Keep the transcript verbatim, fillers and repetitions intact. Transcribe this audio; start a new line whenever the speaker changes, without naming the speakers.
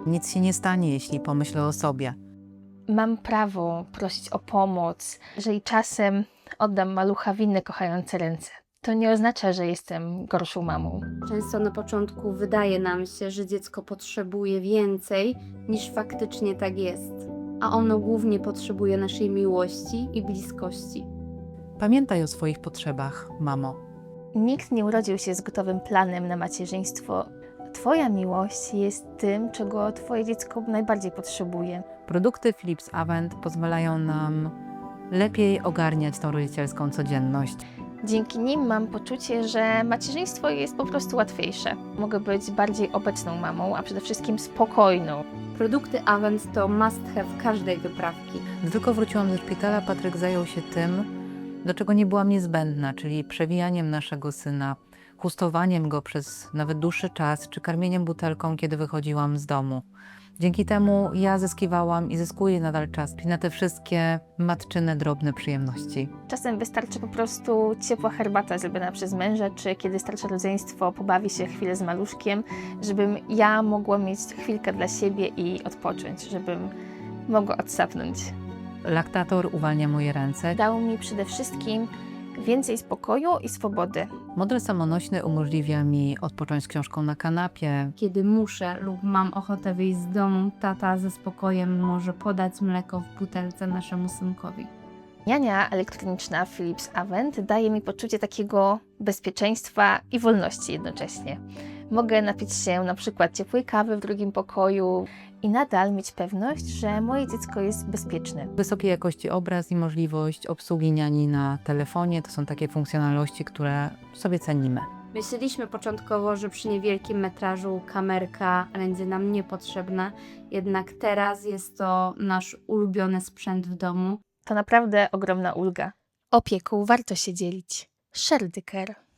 Nic się nie stanie, jeśli pomyślę o sobie.
Mam prawo prosić o pomoc, jeżeli czasem oddam malucha w inne kochające ręce. To nie oznacza, że jestem gorszą mamą.
Często na początku wydaje nam się, że dziecko potrzebuje więcej, niż faktycznie tak jest. A ono głównie potrzebuje naszej miłości i bliskości.
Pamiętaj o swoich potrzebach, mamo.
Nikt nie urodził się z gotowym planem na macierzyństwo. Twoja miłość jest tym, czego twoje dziecko najbardziej potrzebuje.
Produkty Philips Avent pozwalają nam lepiej ogarniać tą rodzicielską codzienność.
Dzięki nim mam poczucie, że macierzyństwo jest po prostu łatwiejsze. Mogę być bardziej obecną mamą, a przede wszystkim spokojną.
Produkty Avent to must have każdej wyprawki.
Gdy tylko wróciłam ze szpitala, Patryk zajął się tym, do czego nie byłam niezbędna, czyli przewijaniem naszego syna, chustowaniem go przez nawet dłuższy czas, czy karmieniem butelką, kiedy wychodziłam z domu. Dzięki temu ja zyskiwałam i zyskuję nadal czas na te wszystkie matczyne, drobne przyjemności.
Czasem wystarczy po prostu ciepła herbata zrobiona przez męża, czy kiedy starsze rodzeństwo pobawi się chwilę z maluszkiem, żebym ja mogła mieć chwilkę dla siebie i odpocząć, żebym mogła odsapnąć.
Laktator uwalnia moje ręce.
Dał mi przede wszystkim więcej spokoju i swobody.
Model samonośny umożliwia mi odpocząć z książką na kanapie.
Kiedy muszę lub mam ochotę wyjść z domu, tata ze spokojem może podać mleko w butelce naszemu synkowi.
Niania elektroniczna Philips Avent daje mi poczucie takiego bezpieczeństwa i wolności jednocześnie. Mogę napić się na przykład ciepłej kawy w drugim pokoju i nadal mieć pewność, że moje dziecko jest bezpieczne.
Wysokiej jakości obraz i możliwość obsługi niani na telefonie to są takie funkcjonalności, które sobie cenimy.
Myśleliśmy początkowo, że przy niewielkim metrażu kamerka będzie nam niepotrzebna, jednak teraz jest to nasz ulubiony sprzęt w domu.
To naprawdę ogromna ulga. Opieką warto się dzielić. Shared care.